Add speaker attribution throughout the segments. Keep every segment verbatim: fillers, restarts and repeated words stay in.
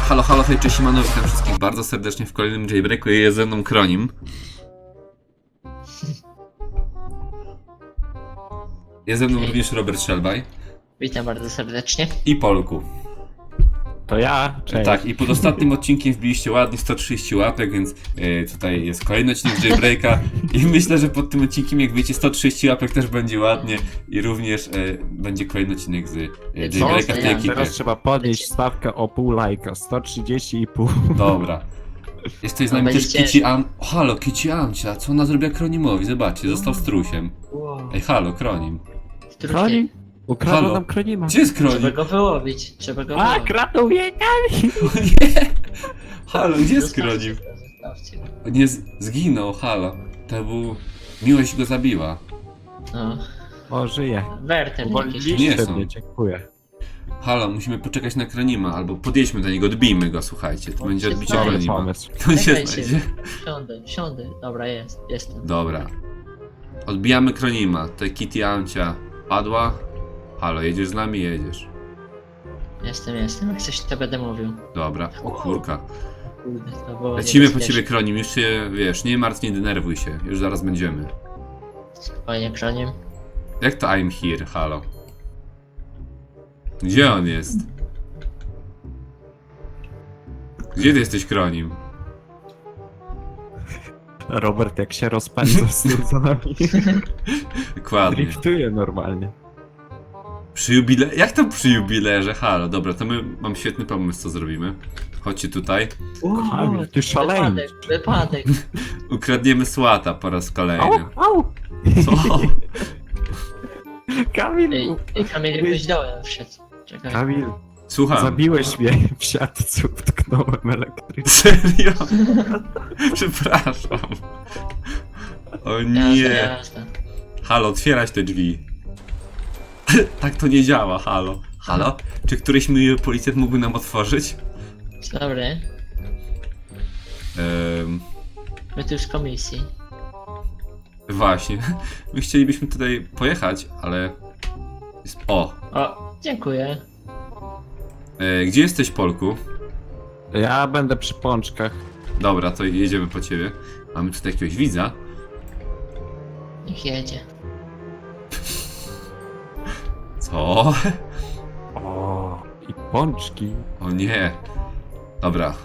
Speaker 1: Halo, halo, hej, cześć, siemano, witam wszystkich bardzo serdecznie w kolejnym jailbreaku. Jest ze mną Kronim. Jest ze mną
Speaker 2: Hej.
Speaker 1: również Robert Szelbaj.
Speaker 2: Witam bardzo serdecznie.
Speaker 1: I Polku.
Speaker 3: To ja, cześć.
Speaker 1: Tak, i pod ostatnim odcinkiem wbiliście ładnie sto trzydzieści łapek, więc yy, tutaj jest kolejny odcinek jailbreaka. I myślę, że pod tym odcinkiem, jak wiecie, sto trzydzieści łapek też będzie ładnie. I również yy, będzie kolejny odcinek z yy, jailbreaka w tej
Speaker 2: ja
Speaker 1: ekipie.
Speaker 3: Teraz trzeba podnieść stawkę o pół lajka, sto trzydzieści i pół.
Speaker 1: Dobra. Jest tutaj z
Speaker 2: No,
Speaker 1: nami też
Speaker 2: będzie
Speaker 1: Kici
Speaker 2: ciężko.
Speaker 1: Am... O, halo, Kici Amcia, co ona zrobiła Kronimowi? Zobaczcie, został strusiem.
Speaker 2: Wow.
Speaker 1: Ej, halo, Kronim.
Speaker 3: Kronim? Ukradł
Speaker 1: Halo.
Speaker 3: nam Kronima.
Speaker 1: Gdzie jest
Speaker 2: Trzeba
Speaker 1: Kronim?
Speaker 2: go wyłowić, trzeba go
Speaker 3: A,
Speaker 2: wyłowić.
Speaker 3: kradną mnie!
Speaker 1: O nie! Halo, gdzie jest
Speaker 2: Zostawcie
Speaker 1: Kronim?
Speaker 2: go, zostawcie go.
Speaker 1: O nie, z- zginął, halo. To był... Miłość go zabiła.
Speaker 2: No.
Speaker 3: O, żyje.
Speaker 2: Werter jakiś.
Speaker 1: Nie
Speaker 3: Uwolniliście
Speaker 1: są.
Speaker 3: mnie, dziękuję.
Speaker 1: Halo, musimy poczekać na Kronima, albo podjedźmy do niego, odbijmy go, słuchajcie. To
Speaker 2: On
Speaker 1: będzie
Speaker 2: się
Speaker 1: odbicie
Speaker 2: znajdzie.
Speaker 3: Dobry
Speaker 1: Kronima.
Speaker 3: pomysł.
Speaker 1: On się
Speaker 2: Czekaj
Speaker 1: znajdzie.
Speaker 2: Siądę, siądę. Dobra, jest, jestem.
Speaker 1: Dobra. Odbijamy Kronima. Tutaj Kitty Amcia padła. Halo, jedziesz z nami? Jedziesz.
Speaker 2: Jestem, jestem. Jak coś to będę mówił.
Speaker 1: Dobra. O kurka.
Speaker 2: Kurde, to było
Speaker 1: Lecimy po
Speaker 2: niebezpieczne.
Speaker 1: ciebie, Kronim. Już się, wiesz, nie martw, nie denerwuj się. Już zaraz będziemy.
Speaker 2: Spokojnie, Kroniem.
Speaker 1: Jak to I'm here? Halo. Gdzie on jest? Gdzie ty jesteś, Kronim?
Speaker 3: Robert jak się rozpędza z tym za nami.
Speaker 1: Dokładnie.
Speaker 3: Driftuje normalnie.
Speaker 1: Przy jubile... Jak to przy jubilerze? Halo, dobra, to my mam świetny pomysł, co zrobimy. Chodźcie tutaj.
Speaker 3: Kamil, ty szalejny.
Speaker 2: Wypadek, wypadek.
Speaker 1: Ukradniemy słata po raz
Speaker 3: Au,
Speaker 1: kolejny.
Speaker 3: au!
Speaker 1: Co?
Speaker 3: Kamil,
Speaker 2: Ej, ej Kamil jakoś dołem wszedł. Czekaj.
Speaker 3: Kamil,
Speaker 1: Słucham.
Speaker 3: zabiłeś mnie w siatce, utknąłem elektrycznie.
Speaker 1: Serio? Przepraszam. O nie.
Speaker 2: Jazda, jazda.
Speaker 1: Halo, otwierać te drzwi. Tak to nie działa, halo. Halo? Czy któryś miły policjant mógłby nam otworzyć?
Speaker 2: Dobry.
Speaker 1: Ehm,
Speaker 2: My tu z komisji.
Speaker 1: właśnie. My chcielibyśmy tutaj pojechać, ale... Jest... O!
Speaker 2: O, dziękuję.
Speaker 1: E, gdzie jesteś, Polku?
Speaker 3: Ja będę przy pączkach.
Speaker 1: Dobra, to jedziemy po ciebie. Mamy tutaj jakiegoś widza.
Speaker 2: Niech jedzie.
Speaker 1: Co?
Speaker 3: O, i pączki.
Speaker 1: O nie. Dobra.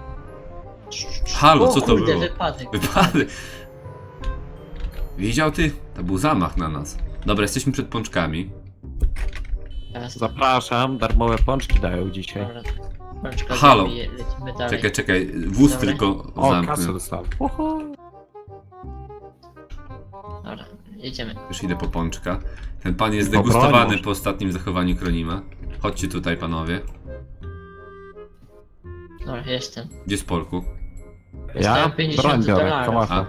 Speaker 1: Halo,
Speaker 2: o,
Speaker 1: co to
Speaker 2: kurde,
Speaker 1: było?
Speaker 2: wypadek.
Speaker 1: Wypadek. Widział ty? To był zamach na nas. Dobra, jesteśmy przed pączkami.
Speaker 2: Jazda.
Speaker 3: Zapraszam, darmowe pączki dają dzisiaj.
Speaker 2: Dobra. Bączka,
Speaker 1: Halo.
Speaker 2: zabije, lecimy dalej.
Speaker 1: Czekaj, czekaj. Wóz
Speaker 2: Dobra.
Speaker 1: tylko
Speaker 3: O, kasę
Speaker 1: zamknę.
Speaker 3: dostałem. Oho.
Speaker 2: Dobra, jedziemy.
Speaker 1: Już idę po pączka. Ten pan jest
Speaker 3: Po broń
Speaker 1: degustowany
Speaker 3: może.
Speaker 1: po ostatnim zachowaniu Kronima. Chodźcie tutaj, panowie.
Speaker 2: Dobra, jestem.
Speaker 1: Gdzie jest Polku?
Speaker 3: Ja
Speaker 2: Dostałem pięćdziesiąt
Speaker 3: broń biorę,
Speaker 2: dolarów.
Speaker 3: kałacha.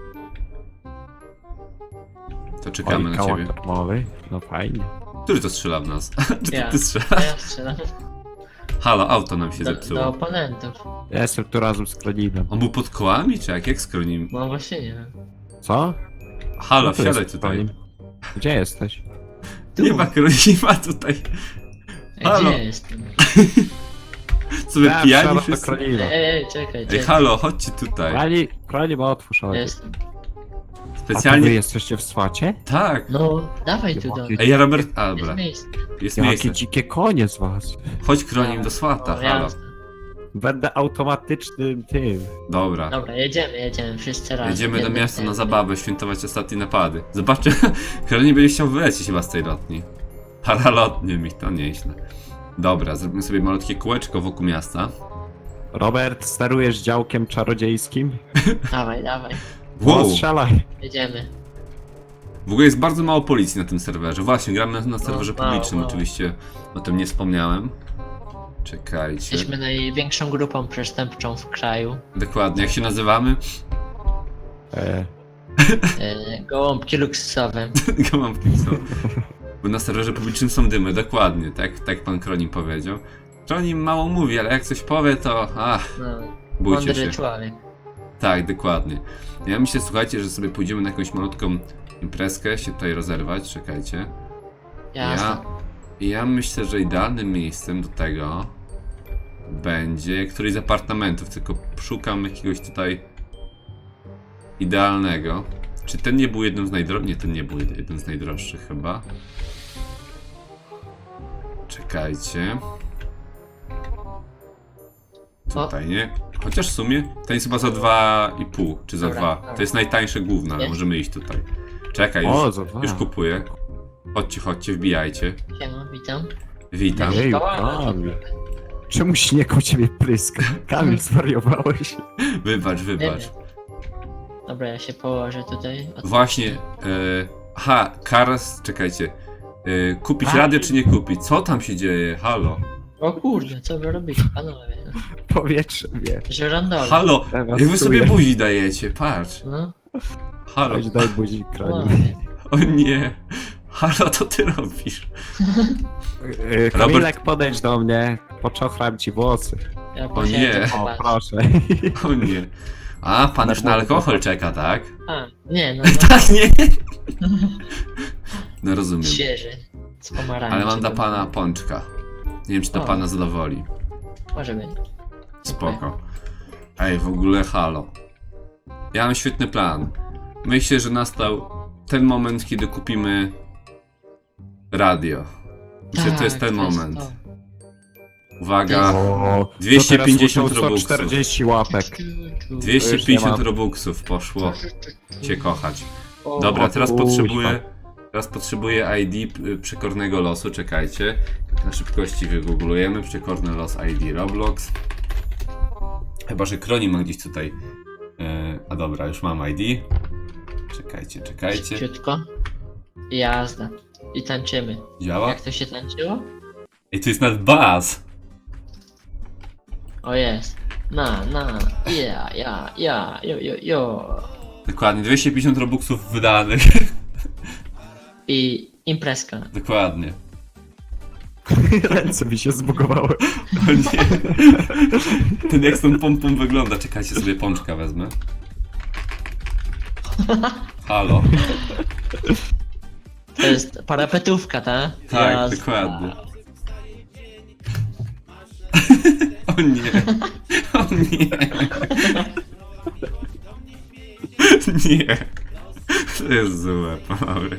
Speaker 1: To czekamy
Speaker 3: Oj,
Speaker 1: na
Speaker 3: kałach
Speaker 1: ciebie.
Speaker 3: darmowy. No fajnie.
Speaker 1: Który to strzela w nas? Czy to
Speaker 2: Ja.
Speaker 1: ty
Speaker 2: To
Speaker 1: strzelasz?
Speaker 2: ja strzelam.
Speaker 1: Halo, auto nam się
Speaker 2: Do,
Speaker 1: zepsuło.
Speaker 2: do oponentów.
Speaker 3: Ja jestem tu razem z Kronimem.
Speaker 1: On był pod kołami, czy jak? Jak z Kronim?
Speaker 2: No właśnie nie wiem.
Speaker 3: Co?
Speaker 1: Halo,
Speaker 3: No tu
Speaker 1: wsiadaj
Speaker 3: jest
Speaker 1: tutaj.
Speaker 3: Kronim. Gdzie jesteś?
Speaker 2: Tu.
Speaker 1: Nie ma Kronima tutaj.
Speaker 2: Ej,
Speaker 1: Halo.
Speaker 2: gdzie jestem?
Speaker 1: Co wy
Speaker 3: Ja
Speaker 1: pijani
Speaker 3: wsiadam do
Speaker 1: wszyscy?
Speaker 3: Kronima.
Speaker 2: Ej, ej, czekaj,
Speaker 1: Ej,
Speaker 2: czekaj.
Speaker 1: halo, chodźcie tutaj.
Speaker 3: Kronim, Kronim, otwórz oczy.
Speaker 2: Jestem.
Speaker 3: A to wy
Speaker 1: Specjalnie...
Speaker 3: jesteście w swacie?
Speaker 1: Tak.
Speaker 2: No, dawaj tu do mnie.
Speaker 1: Ej, Robert... A,
Speaker 2: Jest
Speaker 1: dobra.
Speaker 2: miejsce.
Speaker 1: Jest
Speaker 3: Jakie
Speaker 1: miejsce.
Speaker 3: dzikie konie z was.
Speaker 1: Chodź Kronim do swata,
Speaker 2: No,
Speaker 1: halo.
Speaker 2: jasne.
Speaker 3: Będę automatycznym tym.
Speaker 1: Dobra.
Speaker 2: Dobra, jedziemy, jedziemy, wszyscy razem.
Speaker 1: Jedziemy do
Speaker 2: Jednym
Speaker 1: miasta na
Speaker 2: tempem.
Speaker 1: zabawę, świętować ostatnie napady. Zobaczcie, Kronim będzie chciał wylecieć chyba z tej lotni. Paralotnie mi, to nieźle. Dobra, zrobimy sobie malutkie kółeczko wokół miasta.
Speaker 3: Robert, sterujesz działkiem czarodziejskim?
Speaker 2: Dawaj, dawaj,
Speaker 1: Wow,
Speaker 3: O, strzelaj.
Speaker 2: jedziemy.
Speaker 1: w ogóle jest bardzo mało policji na tym serwerze. Właśnie, gramy na, na serwerze
Speaker 2: mało,
Speaker 1: publicznym,
Speaker 2: mało.
Speaker 1: oczywiście o tym nie wspomniałem. Czekajcie.
Speaker 2: Jesteśmy największą grupą przestępczą w kraju.
Speaker 1: Dokładnie, jak się nazywamy?
Speaker 3: E,
Speaker 2: E, gołąbki luksusowe.
Speaker 1: Go mam w tym co. Bo na serwerze publicznym są dymy, dokładnie, tak, tak pan Kronim powiedział. Kronim mało mówi, ale jak coś powie, to ach,
Speaker 2: No,
Speaker 1: bójcie
Speaker 2: mądry
Speaker 1: się.
Speaker 2: człowiek.
Speaker 1: Tak, dokładnie. Ja myślę, słuchajcie, że sobie pójdziemy na jakąś malutką imprezkę, się tutaj rozerwać, czekajcie.
Speaker 2: Jasne.
Speaker 1: Ja, ja myślę, że idealnym miejscem do tego będzie któryś z apartamentów, tylko szukam jakiegoś tutaj idealnego. Czy ten nie był jednym z najdroższych? Nie, ten nie był jednym z najdroższych chyba. Czekajcie. Tutaj nie. Chociaż w sumie ten jest chyba za dwa i pół, czy za
Speaker 2: Dobra,
Speaker 1: dwa.
Speaker 2: dobra.
Speaker 1: To jest najtańsze główne, ale
Speaker 2: Jest?
Speaker 1: możemy iść tutaj. Czekaj,
Speaker 3: O,
Speaker 1: już,
Speaker 3: za dwa.
Speaker 1: już kupuję. Chodźcie, chodźcie, wbijajcie.
Speaker 2: Siema, witam.
Speaker 1: Witam.
Speaker 3: Ej, Kamil. Czemu śnieg u ciebie pryska? Kamil, zwariowałeś.
Speaker 1: Wybacz, wybacz.
Speaker 2: Dobra, ja się położę tutaj. Od-
Speaker 1: Właśnie. E, aha, Karas, czekajcie. E, kupić
Speaker 3: A.
Speaker 1: radio czy nie kupić? Co tam się dzieje? Halo.
Speaker 2: O kurde, co wy robicie, panowie?
Speaker 3: Powietrze wie.
Speaker 2: Żerandowe.
Speaker 1: Halo.
Speaker 3: Teraz
Speaker 1: Jak wy sobie
Speaker 3: czuję.
Speaker 1: buzi dajecie, patrz.
Speaker 2: No,
Speaker 1: Halo.
Speaker 3: Chodź, daj buzi kraniu.
Speaker 2: panowie.
Speaker 1: O nie. Halo, co ty robisz?
Speaker 3: Yy, Kamilek, podejdź do mnie. Poczochram ci włosy.
Speaker 2: Ja
Speaker 1: O nie.
Speaker 2: posiedzę,
Speaker 3: O,
Speaker 2: popatrz.
Speaker 3: proszę.
Speaker 1: O nie. A, pan już na alkohol czeka, tak?
Speaker 2: A, nie, no, no
Speaker 1: Tak, nie. No rozumiem.
Speaker 2: świeży. Z pomarańczy.
Speaker 1: Ale mam dla pana pączka. Nie wiem, czy to
Speaker 2: O.
Speaker 1: pana zadowoli.
Speaker 2: Może być.
Speaker 1: Spoko. Ej, w ogóle halo. Ja mam świetny plan. Myślę, że nastał ten moment, kiedy kupimy radio. Myślę, że to jest ten moment.
Speaker 2: to.
Speaker 1: Uwaga.
Speaker 3: O,
Speaker 1: dwieście
Speaker 3: to teraz
Speaker 1: pięćdziesiąt
Speaker 3: muszą sto
Speaker 1: robuxów.
Speaker 3: czterdzieści łapek.
Speaker 1: dwieście
Speaker 3: Już nie
Speaker 1: pięćdziesiąt
Speaker 3: mam.
Speaker 1: robuxów poszło cię kochać.
Speaker 2: O,
Speaker 1: Dobra, teraz
Speaker 3: kuźwa.
Speaker 1: potrzebuję. Teraz potrzebuję I D y, przekornego losu, czekajcie. Na szybkości wygooglujemy przekorny los I D Roblox. Chyba, że Kroni ma gdzieś tutaj. Yy, a dobra, już mam I D. Czekajcie, czekajcie.
Speaker 2: Szybciutko. I jazda. I tańczymy.
Speaker 1: Działa?
Speaker 2: Jak to się tańczyło?
Speaker 1: Ej, to jest nad baz!
Speaker 2: O jest. Na, na, ja, ja, ja, jo, jo, jo.
Speaker 1: Dokładnie, dwieście pięćdziesiąt robuxów wydanych.
Speaker 2: I imprezka.
Speaker 1: Dokładnie.
Speaker 3: Ręce mi się zbugowały.
Speaker 1: O nie. Ten jak z tą pompą wygląda. Czekajcie, sobie pączka wezmę. Halo.
Speaker 2: To jest parapetówka, ta?
Speaker 1: Tak,
Speaker 2: Jazda.
Speaker 1: dokładnie. O nie. O nie. Nie. To jest złe, panowie.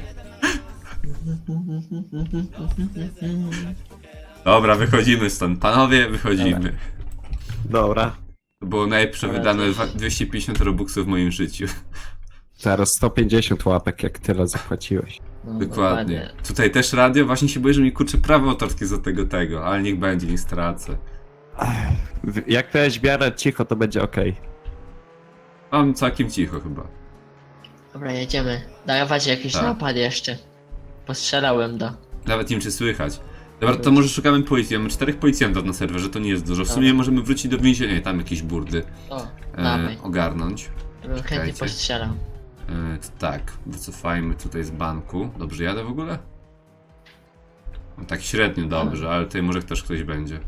Speaker 1: Dobra, wychodzimy stąd. Panowie, wychodzimy.
Speaker 3: Dobra.
Speaker 1: To było najlepsze
Speaker 2: Dobra,
Speaker 1: wydane
Speaker 2: to-
Speaker 1: dwieście pięćdziesiąt robuxów w moim życiu.
Speaker 3: Teraz sto pięćdziesiąt łapek, jak tyle zapłaciłeś.
Speaker 2: No,
Speaker 1: Dokładnie. Tutaj też radio, właśnie się boję, że mi kurczę prawo autorskie za tego tego, ale niech będzie, nie stracę.
Speaker 3: W- Jak to jest w miarę cicho, to będzie okej.
Speaker 1: Mam całkiem cicho chyba.
Speaker 2: Dobra, jedziemy. Dawać jakiś
Speaker 1: Tak.
Speaker 2: napad jeszcze. Postrzelałem do.
Speaker 1: Nawet nie wiem czy słychać. Dobra, to może szukamy policji. Mamy czterech policjantów na serwerze, to nie jest dużo. W sumie
Speaker 2: Dobra.
Speaker 1: możemy wrócić do więzienia i tam jakieś burdy
Speaker 2: O,
Speaker 1: e,
Speaker 2: dawaj.
Speaker 1: ogarnąć.
Speaker 2: Bym chętnie
Speaker 1: czekajcie.
Speaker 2: postrzelał.
Speaker 1: E, to tak, wycofajmy tutaj z banku. Dobrze jadę w ogóle? No, tak średnio dobrze, ale tutaj może też ktoś będzie.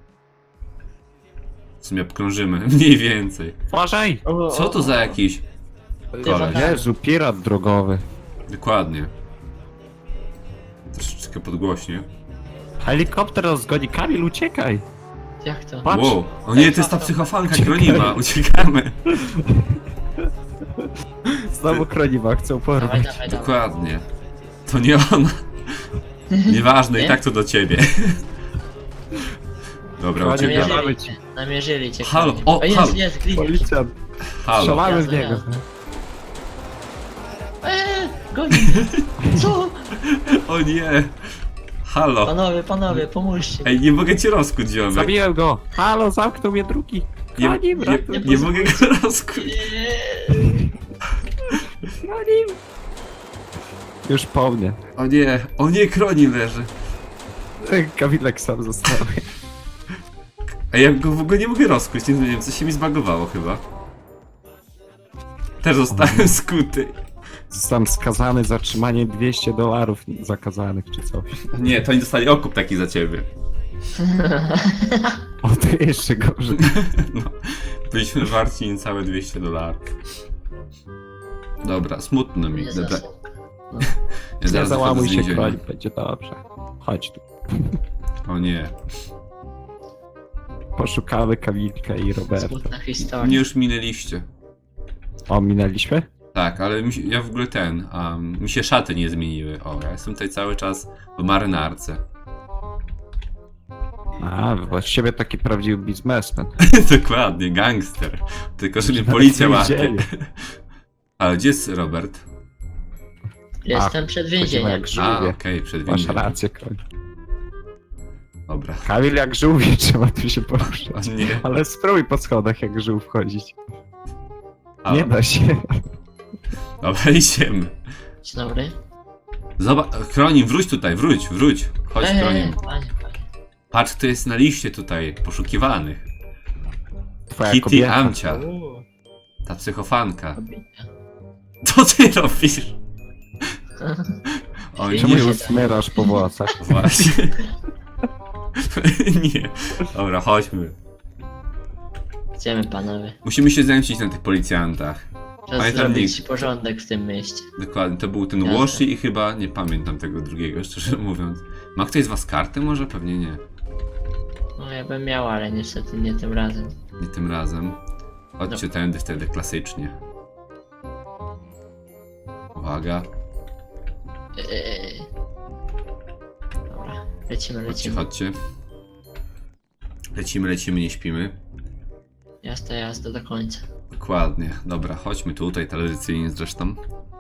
Speaker 1: W sumie obkrążymy, mniej więcej.
Speaker 3: Uważaj!
Speaker 1: Co to za jakiś? Koleś.
Speaker 3: Jezu, pirat drogowy.
Speaker 1: Dokładnie. Troszeczkę podgłośnie.
Speaker 3: Helikopter rozgoni. Kamil, uciekaj!
Speaker 2: Jak to?
Speaker 3: Patrz.
Speaker 1: Wow, o nie, to jest ta psychofanka Kronima, uciekamy.
Speaker 3: Znowu kroniwa chcą
Speaker 2: Dawaj,
Speaker 3: porwać.
Speaker 2: dawaj, dawaj.
Speaker 1: Dokładnie. To nie ona. Nieważne, i
Speaker 2: Nie?
Speaker 1: tak to do ciebie. Dobra,
Speaker 3: Konie
Speaker 1: uciekamy.
Speaker 3: jeżdżą.
Speaker 2: Namierzyli cię. Namierzyli cię.
Speaker 1: Halo,
Speaker 2: konie.
Speaker 1: o,
Speaker 2: o jest,
Speaker 1: halo.
Speaker 2: jest, gliniarz.
Speaker 3: Policjant.
Speaker 1: Halo.
Speaker 3: Strzelamy w
Speaker 2: Jazda,
Speaker 3: niego.
Speaker 2: jazda. Eee, goni. Co?
Speaker 1: O nie. Halo.
Speaker 2: Panowie, panowie, pomóżcie.
Speaker 1: Ej, nie mogę cię rozkuć, ziomek.
Speaker 3: Zabiłem go! Halo, zamknął mnie drugi!
Speaker 1: Nie,
Speaker 3: Kronim,
Speaker 1: nie,
Speaker 3: ratuj!
Speaker 1: nie mogę go rozkuć.
Speaker 2: Eee,
Speaker 3: Kronim! Już po mnie.
Speaker 1: O nie, o nie, Kronim leży.
Speaker 3: Kamilek sam został.
Speaker 1: Ej, ja go w ogóle nie mogę rozkuć, nie wiem, coś się mi zbagowało chyba. Też zostałem skuty.
Speaker 3: Zostałem skazany za trzymanie dwieście dolarów zakazanych czy coś.
Speaker 1: Nie, to oni dostali okup taki za ciebie.
Speaker 3: O, to jeszcze gorzej.
Speaker 1: No, byliśmy warci niecałe dwieście dolarów. Dobra, smutno mi.
Speaker 2: nie
Speaker 1: Dobra,
Speaker 2: zasług.
Speaker 1: ja
Speaker 3: Nie
Speaker 1: zaraz wychodzę
Speaker 3: załamuj
Speaker 1: z
Speaker 3: się,
Speaker 1: więzienia.
Speaker 3: kroń, będzie dobrze. Chodź tu.
Speaker 1: O nie.
Speaker 3: poszukamy Kamilka i Roberta.
Speaker 2: Smutna
Speaker 1: Mnie
Speaker 2: historia.
Speaker 1: już minęliście.
Speaker 3: O, minęliśmy?
Speaker 1: Tak, ale mi się, ja w ogóle ten, um, mi się szaty nie zmieniły. O, ja jestem tutaj cały czas w marynarce.
Speaker 3: A, właściwie taki prawdziwy biznesmen.
Speaker 1: Dokładnie, gangster. Tylko, że mnie
Speaker 3: Nawet
Speaker 1: policja
Speaker 3: nie
Speaker 1: łapie.
Speaker 3: wiedzieli.
Speaker 1: Ale gdzie jest Robert?
Speaker 2: Jestem przed
Speaker 3: Chodzimy
Speaker 2: więzieniem.
Speaker 3: jak
Speaker 1: A,
Speaker 3: żółwie.
Speaker 1: okej, przed
Speaker 3: Masz
Speaker 1: więzieniem.
Speaker 3: rację, Kamil.
Speaker 1: Dobra.
Speaker 3: Kamil jak żółwie, trzeba tu się poruszać.
Speaker 1: O nie.
Speaker 3: Ale spróbuj po schodach jak żółw wchodzić.
Speaker 1: A,
Speaker 3: Nie da się.
Speaker 1: dobra, idziemy.
Speaker 2: Dzień dobry.
Speaker 1: Zobacz, Kronim, wróć tutaj, wróć, wróć. Chodź,
Speaker 2: Ej,
Speaker 1: Kronim.
Speaker 2: ej, panie, panie.
Speaker 1: Patrz, kto jest na liście tutaj, poszukiwanych.
Speaker 3: Twoja
Speaker 1: Kitty
Speaker 3: kobieta.
Speaker 1: Amcia,
Speaker 2: Uuu,
Speaker 1: ta psychofanka.
Speaker 2: kobieta.
Speaker 1: Co ty robisz? O
Speaker 2: Czemu
Speaker 3: Czemu
Speaker 1: nie,
Speaker 3: ją smyrasz po włosach?
Speaker 1: właśnie. Nie. Dobra, chodźmy.
Speaker 2: Idziemy, panowie.
Speaker 1: Musimy się zemścić na tych policjantach.
Speaker 2: Czas
Speaker 1: Pamiętam
Speaker 2: zrobić
Speaker 1: nick.
Speaker 2: porządek w tym mieście.
Speaker 1: Dokładnie, to był ten
Speaker 2: Jasne.
Speaker 1: Washi i chyba nie pamiętam tego drugiego, szczerze mówiąc. Ma ktoś z was karty może? Pewnie nie.
Speaker 2: No ja bym miał, ale niestety nie tym razem.
Speaker 1: Nie tym razem. Chodźcie
Speaker 2: No.
Speaker 1: tędy wtedy klasycznie. Uwaga.
Speaker 2: Eee. Dobra, lecimy,
Speaker 1: Chodźcie,
Speaker 2: lecimy.
Speaker 1: chodźcie. Lecimy, lecimy, nie śpimy.
Speaker 2: Jazda, jazda do końca.
Speaker 1: Dokładnie. Dobra, chodźmy tutaj, tradycyjnie zresztą.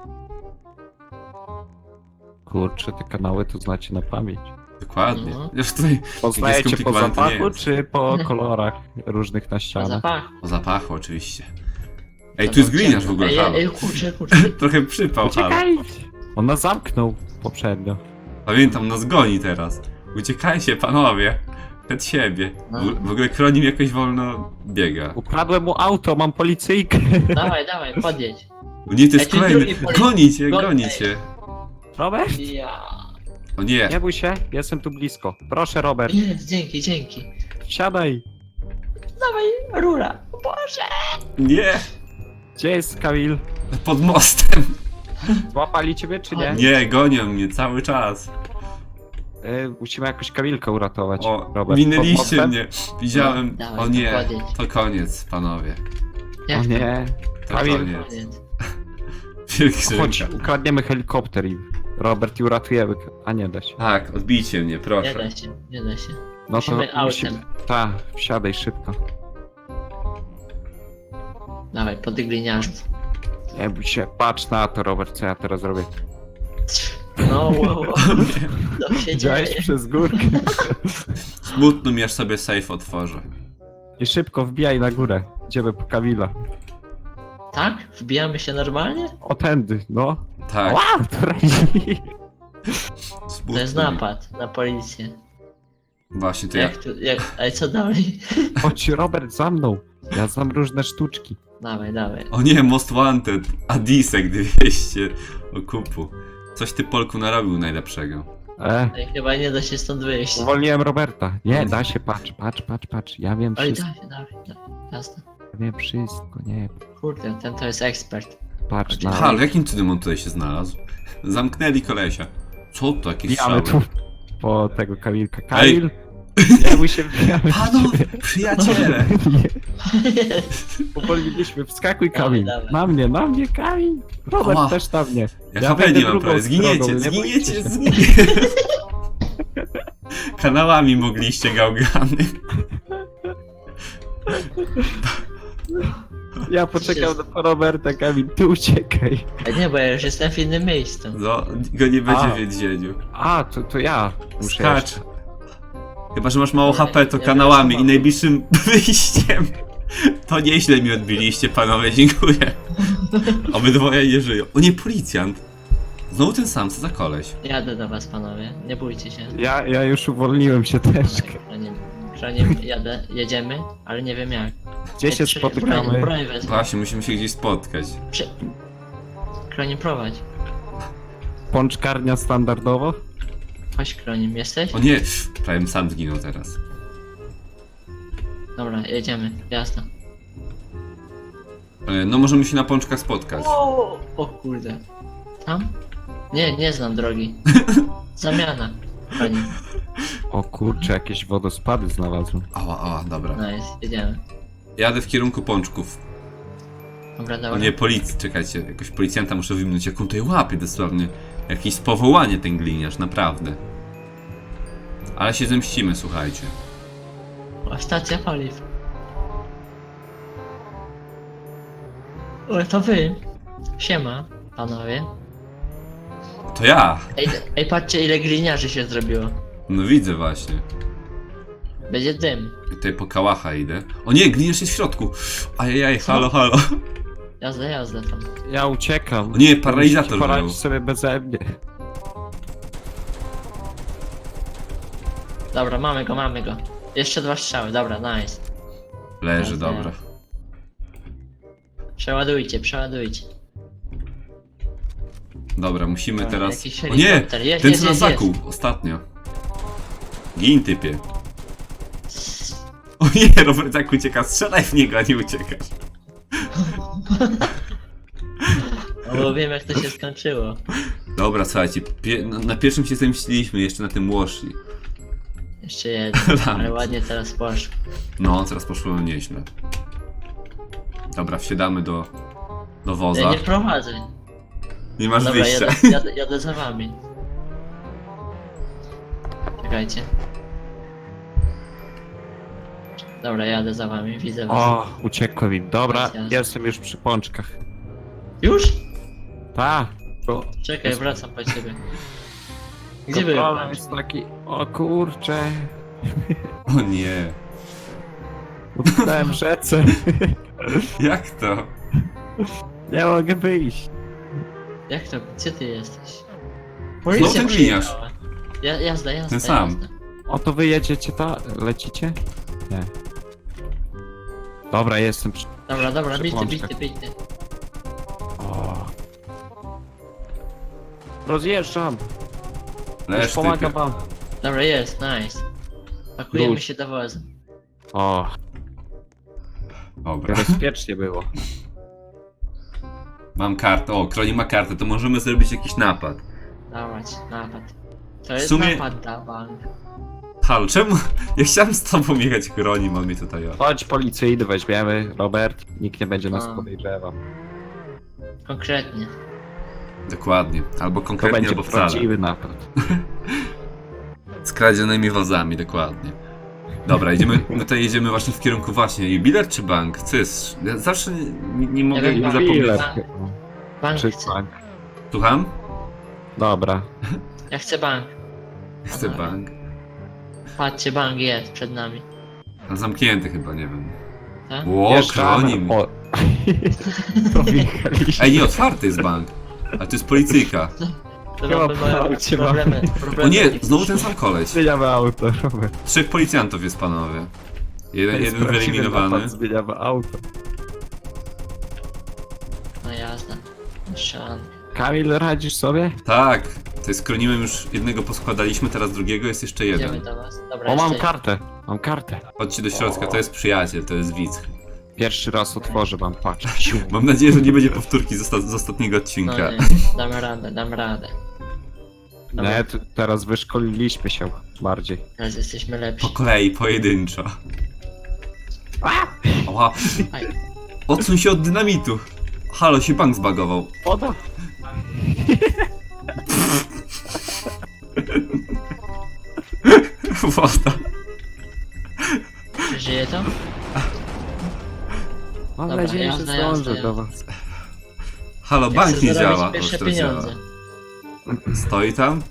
Speaker 3: Kurczę, te kanały to znacie na pamięć.
Speaker 1: Dokładnie.
Speaker 2: No.
Speaker 1: Już tutaj
Speaker 3: Poznajecie po
Speaker 1: skomplikowane to nie
Speaker 3: zapachu,
Speaker 1: jest.
Speaker 3: czy po kolorach różnych na
Speaker 2: Po
Speaker 3: ścianach?
Speaker 2: zapachu.
Speaker 1: o zapachu oczywiście. Ej,
Speaker 2: To
Speaker 1: tu jest
Speaker 2: był
Speaker 1: gliniarz w
Speaker 2: ciemno.
Speaker 1: ogóle,
Speaker 2: Ej,
Speaker 1: halo.
Speaker 2: ej, kurczę, kurczę.
Speaker 1: Trochę przypał, halo.
Speaker 3: Uciekajcie! On nas zamknął poprzednio.
Speaker 1: Pamiętam, nas goni teraz. Uciekajcie, panowie. Przed siebie.
Speaker 2: No.
Speaker 1: W, w ogóle Kronim jakoś wolno biega.
Speaker 3: Ukradłem mu auto, mam policyjkę.
Speaker 2: Dawaj, dawaj, podjedź.
Speaker 1: O nie, to jest
Speaker 2: Ej, tu
Speaker 1: kolejny.
Speaker 2: drugi poli-
Speaker 1: Goni cię,
Speaker 2: Gon-
Speaker 1: goni
Speaker 2: ej.
Speaker 1: cię.
Speaker 3: Robert?
Speaker 2: Ja.
Speaker 1: O nie.
Speaker 3: Nie bój się, jestem tu blisko. Proszę, Robert,
Speaker 2: Jest, dzięki, dzięki.
Speaker 3: siadaj.
Speaker 2: Dawaj, rura. O Boże.
Speaker 1: Nie.
Speaker 3: Gdzie jest Kamil?
Speaker 1: Pod mostem.
Speaker 3: Złapali ciebie, czy nie?
Speaker 1: Nie, gonią mnie cały czas.
Speaker 3: E, musimy jakoś Kamilkę uratować.
Speaker 1: O,
Speaker 3: Robert,
Speaker 1: minęliście
Speaker 3: pod mostem?
Speaker 1: mnie. Widziałem.
Speaker 2: No, dawaj,
Speaker 1: O
Speaker 2: to
Speaker 1: nie.
Speaker 2: podjedź.
Speaker 1: To koniec, panowie.
Speaker 3: O
Speaker 2: Jak
Speaker 3: nie.
Speaker 1: To
Speaker 3: Kamil,
Speaker 1: koniec.
Speaker 2: koniec?
Speaker 3: chodź,
Speaker 1: Pielgrzymka.
Speaker 3: ukradniemy helikopter i Robert i uratujemy. A nie da się.
Speaker 1: Tak, odbijcie mnie,
Speaker 2: Nie
Speaker 1: proszę.
Speaker 2: da się, nie da się.
Speaker 3: No
Speaker 2: Musimy autem.
Speaker 3: Tak, wsiadaj szybko.
Speaker 2: Dawaj, pod gliniarzów.
Speaker 3: Nie bój się, patrz na to, Robert, co ja teraz robię.
Speaker 2: No, wow, wow. Co się
Speaker 3: Widziałeś
Speaker 2: dzieje?
Speaker 3: przez górkę.
Speaker 1: Smutno mi, aż sobie safe otworzę.
Speaker 3: I szybko wbijaj na górę. Idziemy po Kamila.
Speaker 2: Tak? Wbijamy się normalnie?
Speaker 3: O tędy, no.
Speaker 1: Tak,
Speaker 3: Ła, to razi.
Speaker 1: smutno
Speaker 2: To jest
Speaker 1: mi.
Speaker 2: napad na policję.
Speaker 1: Właśnie, to ja.
Speaker 2: Jak tu, jak, ale co dalej?
Speaker 3: Chodź, Robert, za mną. Ja znam różne sztuczki.
Speaker 2: Dawaj, dawaj.
Speaker 1: O nie, Most Wanted. Adisek dwieście okupu. Coś ty Polku narobił najlepszego.
Speaker 3: E,
Speaker 2: Ej, chyba nie da się stąd wyjść.
Speaker 3: uwolniłem Roberta. Nie, da się, patrz, patrz, patrz, patrz. Ja wiem
Speaker 2: Oj,
Speaker 3: wszystko,
Speaker 2: dawaj, dawaj, dawaj. Jasne.
Speaker 3: ja wiem wszystko, nie.
Speaker 2: Kurde, ten to jest ekspert.
Speaker 3: Patrz na...
Speaker 1: Halo, jakim cudem on tutaj się znalazł? Zamknęli kolesia. Co to, jakieś
Speaker 3: Wbijamy
Speaker 1: strzały?
Speaker 3: tu po tego Kamilka. Kamil! Nie bój się, wbijamy.
Speaker 1: Panowie, przyjaciele!
Speaker 3: Nie, Uwolniliśmy, wskakuj Kamil.
Speaker 2: Dawaj, dawaj.
Speaker 3: Na mnie, na mnie Kamil. Robert
Speaker 1: Ała.
Speaker 3: też na mnie.
Speaker 1: Ja
Speaker 3: Ja
Speaker 1: H P
Speaker 3: będę
Speaker 1: nie mam
Speaker 3: drugą
Speaker 1: prawie, zginiecie,
Speaker 3: stroną, nie bójcie
Speaker 1: zginiecie,
Speaker 3: się.
Speaker 1: zginiecie! Kanałami mogliście gałgany.
Speaker 3: Ja poczekam na Roberta, Kamil, ty uciekaj.
Speaker 2: Ej, nie, bo ja już jestem w innym miejscu.
Speaker 1: No, go nie będzie
Speaker 3: A.
Speaker 1: w więzieniu.
Speaker 3: A, to, to ja muszę
Speaker 1: Skacz.
Speaker 3: jeszcze.
Speaker 1: Chyba, że masz mało
Speaker 2: Nie,
Speaker 1: H P, to
Speaker 2: nie
Speaker 1: kanałami
Speaker 2: wiem,
Speaker 1: i najbliższym wyjściem. To nieźle mi odbiliście, panowie, dziękuję. Obydwoje nie żyją. O nie, policjant. Znowu ten sam, co za koleś.
Speaker 2: Jadę do was, panowie. Nie bójcie się.
Speaker 3: Ja, ja już uwolniłem się też.
Speaker 2: Kronim, kronim, jadę, jedziemy, ale nie wiem jak.
Speaker 3: Gdzie się
Speaker 2: Ej, czekaj, Broń,
Speaker 3: spotykamy?
Speaker 2: broń wezmę.
Speaker 1: Właśnie, musimy się gdzieś spotkać.
Speaker 2: Przy... Kronim, prowadź.
Speaker 3: Pączkarnia standardowo?
Speaker 2: Chodź, Kronim, jesteś?
Speaker 1: O nie, prawie sam zginął teraz.
Speaker 2: Dobra, jedziemy, jasno.
Speaker 1: E, No możemy się na pączkach spotkać.
Speaker 2: O, o kurde. Tam? Nie, nie znam drogi. Zamiana. Kronim.
Speaker 3: O kurczę, jakieś wodospady znalazłem.
Speaker 1: Ała, ała, dobra.
Speaker 2: Nice, jedziemy.
Speaker 1: Jadę w kierunku pączków.
Speaker 2: Dobra,
Speaker 1: O
Speaker 2: dobra.
Speaker 1: nie, policji, czekajcie, jakoś policjanta muszę wyminąć, jak on tutaj łapie dosłownie. Jakieś powołanie ten gliniarz, naprawdę. Ale się zemścimy, słuchajcie.
Speaker 2: O, stacja paliw. O, to wy. Siema, panowie.
Speaker 1: To ja!
Speaker 2: Ej, ej, patrzcie ile gliniarzy się zrobiło.
Speaker 1: No widzę właśnie.
Speaker 2: Będzie dym.
Speaker 1: I tutaj po kałacha idę. O nie, gliniarz jest w środku! Ajajaj, halo, halo.
Speaker 2: Jazda, jazda tam.
Speaker 3: Ja uciekam.
Speaker 1: O nie, paralizator
Speaker 3: Musicie poradzić
Speaker 1: miał.
Speaker 3: sobie beze mnie.
Speaker 2: Dobra, mamy go, mamy go. Jeszcze dwa strzały, dobra, nice.
Speaker 1: Leży,
Speaker 2: Jazda.
Speaker 1: dobra.
Speaker 2: Przeładujcie, przeładujcie.
Speaker 1: Dobra, musimy
Speaker 2: Dobra,
Speaker 1: teraz...
Speaker 2: jakiś
Speaker 1: O nie!
Speaker 2: helikopter. Jest,
Speaker 1: Ten
Speaker 2: jest,
Speaker 1: co nas
Speaker 2: jest,
Speaker 1: zakuł ostatnio. Gin, typie. O nie, Robert jak ucieka, strzelaj w niego, a nie uciekasz.
Speaker 2: No bo wiem jak to się skończyło.
Speaker 1: Dobra, słuchajcie, pie na, na pierwszym się zemściliśmy, jeszcze na tym łoszli.
Speaker 2: Jeszcze jeden, ale ładnie teraz poszło.
Speaker 1: No, teraz poszło nieźle. Dobra, wsiadamy do, do
Speaker 2: Ja
Speaker 1: woza.
Speaker 2: nie prowadzę.
Speaker 1: Nie masz
Speaker 2: Dobra,
Speaker 1: wyjścia.
Speaker 2: jadę, jadę, jadę za wami. Czekajcie. Dobra, jadę za wami, widzę was.
Speaker 3: O, uciekłem im. Dobra,
Speaker 2: Jasne.
Speaker 3: jestem już przy pączkach.
Speaker 2: Już?
Speaker 3: Ta. To,
Speaker 2: Czekaj,
Speaker 3: Jest-
Speaker 2: wracam po ciebie. Gdzie
Speaker 3: to
Speaker 2: były
Speaker 3: problem
Speaker 2: pączki?
Speaker 3: jest taki. O kurczę.
Speaker 1: O nie.
Speaker 3: Utknąłem w rzece.
Speaker 1: Jak to?
Speaker 3: Nie mogę wyjść.
Speaker 2: Jak to? Gdzie ty jesteś?
Speaker 1: Znowu ten gliniarz.
Speaker 2: przyjechała. Ja, jazda, jazda,
Speaker 1: Ten sam.
Speaker 2: jazda.
Speaker 3: O, to wy jedziecie ta? Lecicie? Nie. Dobra, jestem przy...
Speaker 2: Dobra, dobra,
Speaker 3: Przy
Speaker 2: bity,
Speaker 3: pączkach.
Speaker 2: bity, bity.
Speaker 3: O. Rozjeżdżam. Już
Speaker 1: Leż,
Speaker 3: pomagam
Speaker 1: typie.
Speaker 3: wam.
Speaker 2: Dobra, jest, nice. Pakujemy
Speaker 3: Wróć.
Speaker 2: się do wozu.
Speaker 3: O,
Speaker 1: Dobra.
Speaker 3: bezpiecznie było.
Speaker 1: Mam kartę. O, Kroni ma kartę, to możemy zrobić jakiś napad.
Speaker 2: Dawać, napad. To jest
Speaker 1: sumie-
Speaker 2: napad na bank.
Speaker 1: Halo, czemu? Ja chciałem z tobą jechać, Kroni, mam mnie tutaj. O.
Speaker 3: Chodź policyjny weźmiemy, Robert. Nikt nie będzie nas
Speaker 2: A.
Speaker 3: podejrzewał.
Speaker 2: Konkretnie.
Speaker 1: Dokładnie. Albo
Speaker 3: To
Speaker 1: konkretnie,
Speaker 3: będzie
Speaker 1: albo wcale.
Speaker 3: prawdziwy napad.
Speaker 1: Z kradzionymi wozami, dokładnie. Dobra, idziemy, my tutaj jedziemy właśnie w kierunku właśnie jubiler czy bank? Co jest? Ja zawsze nie, nie, nie mogę
Speaker 2: wiem,
Speaker 1: nie
Speaker 2: bank.
Speaker 1: zapomnieć.
Speaker 3: Ile?
Speaker 2: Bank
Speaker 3: Czy
Speaker 2: chcę.
Speaker 3: bank?
Speaker 1: Słucham?
Speaker 3: Dobra.
Speaker 2: Ja chcę bank.
Speaker 1: Chcę bank.
Speaker 2: Patrzcie, bank jest przed nami.
Speaker 1: A zamknięty chyba, nie wiem.
Speaker 2: Tak?
Speaker 1: Ło,
Speaker 3: Wjeżdżamy.
Speaker 1: Kronim.
Speaker 3: O. To wjechaliśmy.
Speaker 1: Ej, nie, otwarty jest bank. A to jest policyjka.
Speaker 2: To
Speaker 3: Chyba
Speaker 2: mamy mają
Speaker 3: parcie
Speaker 2: problemy,
Speaker 1: O
Speaker 2: problemy.
Speaker 1: nie, znowu ten sam koleś.
Speaker 3: Zmieniamy auto, Robert.
Speaker 1: Trzech policjantów jest, panowie. Jeden,
Speaker 3: To jest
Speaker 1: jeden
Speaker 3: prawdziwy
Speaker 1: wyeliminowany.
Speaker 3: napad, Zmieniamy auto.
Speaker 2: No jazda. Strzelan.
Speaker 3: Kamil, radzisz sobie?
Speaker 1: Tak, to jest Kronimem już jednego poskładaliśmy, teraz drugiego jest jeszcze
Speaker 2: Idziemy
Speaker 1: jeden.
Speaker 2: do was. Dobra,
Speaker 3: O, mam
Speaker 2: jeszcze-
Speaker 3: kartę. Mam kartę.
Speaker 1: Chodźcie do środka, to jest przyjaciel, to jest widz.
Speaker 3: Pierwszy raz otworzę wam, patrz. Siu.
Speaker 1: Mam nadzieję, że nie będzie powtórki z, osta- z ostatniego
Speaker 2: No
Speaker 1: odcinka.
Speaker 2: nie, damy radę, damy radę. Dobra,
Speaker 3: Nie, t- teraz wyszkoliliśmy się bardziej.
Speaker 2: teraz jesteśmy
Speaker 1: Po
Speaker 2: lepsi.
Speaker 1: kolei, pojedynczo. Ała.
Speaker 2: Aj.
Speaker 1: Odsuń się od dynamitu. Halo, się bank zbagował.
Speaker 3: Woda.
Speaker 1: Woda.
Speaker 2: Żyje to?
Speaker 3: Mam
Speaker 2: Dobra,
Speaker 3: nadzieję, że
Speaker 2: jazda, jazda,
Speaker 3: zdążę
Speaker 2: jazda.
Speaker 3: do was.
Speaker 1: Halo,
Speaker 2: Ja
Speaker 1: bank
Speaker 2: chcę
Speaker 1: nie
Speaker 2: zarobić
Speaker 1: działa. O,
Speaker 2: pierwsze
Speaker 1: teraz działa.
Speaker 2: pieniądze.
Speaker 1: Stoi tam?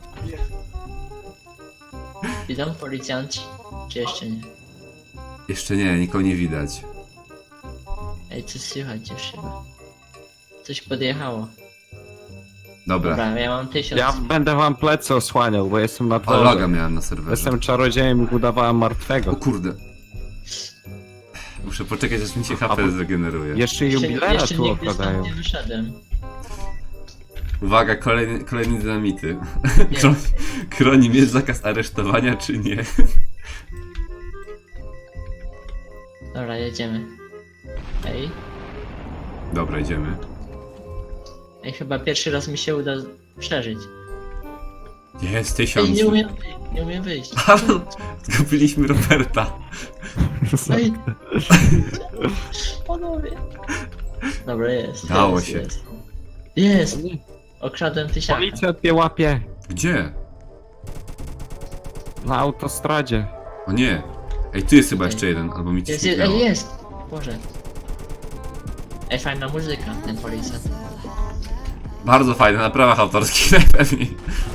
Speaker 2: Idą policjanci? Czy jeszcze nie?
Speaker 1: Jeszcze nie, nikogo nie widać.
Speaker 2: Ej, coś słychać już chyba. Coś podjechało.
Speaker 1: Dobra.
Speaker 2: Dobra, ja mam tysiąc.
Speaker 3: Ja będę wam plecy osłaniał, bo jestem na
Speaker 1: O,
Speaker 3: dworze.
Speaker 1: loga miałem na serwerze.
Speaker 3: Jestem czarodziejem i udawałem
Speaker 1: O
Speaker 3: martwego.
Speaker 1: kurde. Muszę poczekać, aż mi się
Speaker 3: A,
Speaker 1: H P
Speaker 3: bo-
Speaker 1: zregeneruje.
Speaker 3: Jeszcze
Speaker 2: jeszcze,
Speaker 3: jubilera
Speaker 2: jeszcze
Speaker 3: tu
Speaker 2: nigdy
Speaker 3: okradają.
Speaker 2: stąd nie wyszedłem.
Speaker 1: Uwaga, kolejny, kolejny dynamity.
Speaker 2: Nie.
Speaker 1: Kro, Kronim, jest zakaz aresztowania, czy nie?
Speaker 2: Dobra, jedziemy. Ej,
Speaker 1: Dobra, idziemy.
Speaker 2: ej, chyba pierwszy raz mi się uda przeżyć.
Speaker 1: Jest
Speaker 2: Ej,
Speaker 1: tysiąc.
Speaker 2: nie umiem wyjść, nie umiem wyjść.
Speaker 1: Halo, zgubiliśmy Roberta.
Speaker 2: Ej. Panowie. Dobra, jest.
Speaker 1: Dało
Speaker 2: jest,
Speaker 1: się.
Speaker 2: Jest. jest. Okradłem tysiaka.
Speaker 3: Policjant mnie łapie
Speaker 1: Gdzie?
Speaker 3: na autostradzie.
Speaker 1: O nie. Ej, tu jest chyba jeszcze jeden, albo mi coś
Speaker 2: Jest, jest,
Speaker 1: mignęło.
Speaker 2: ej, jest. Boże. Ej, fajna muzyka, ten policjant.
Speaker 1: Bardzo fajne, na prawach autorskich najpewniej.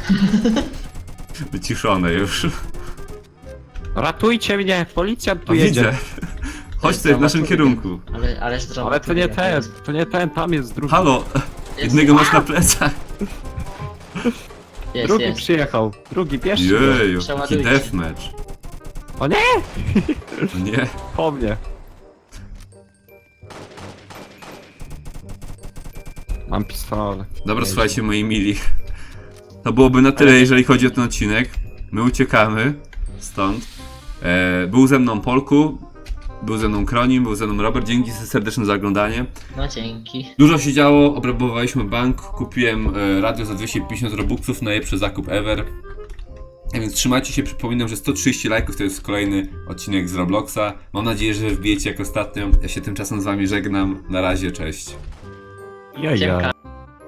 Speaker 1: Wyciszone już.
Speaker 3: Ratujcie mnie, policjant tu
Speaker 1: O,
Speaker 3: jedzie.
Speaker 1: widzę. Chodź tutaj w naszym kierunku.
Speaker 2: Ale, ale zdrowo.
Speaker 3: Ale to nie ten, to nie ten, tam jest drugi.
Speaker 1: Halo,
Speaker 2: Jest.
Speaker 1: jednego masz na plecach.
Speaker 2: Jest,
Speaker 3: Drugi
Speaker 2: jest.
Speaker 3: przyjechał, drugi, bierzcie go.
Speaker 1: Jeju, taki
Speaker 2: Przeładujcie.
Speaker 1: deathmatch.
Speaker 3: O nie,
Speaker 1: O nie.
Speaker 3: po mnie. Mam pistolet.
Speaker 1: Dobra, słuchajcie moi mili. To byłoby na tyle, jeżeli chodzi o ten odcinek. My uciekamy stąd. E, był ze mną Polku, był ze mną Kronim, był ze mną Robert. Dzięki serdeczne za oglądanie.
Speaker 2: No dzięki.
Speaker 1: Dużo się działo, obrabowaliśmy bank, kupiłem e, radio za dwieście pięćdziesiąt robuxów, najlepszy zakup ever. A więc trzymajcie się, przypominam, że sto trzydzieści lajków to jest kolejny odcinek z Robloxa. Mam nadzieję, że wbijecie jak ostatnio. Ja się tymczasem z wami żegnam. Na razie, cześć.
Speaker 3: Jaja.
Speaker 2: Siemka.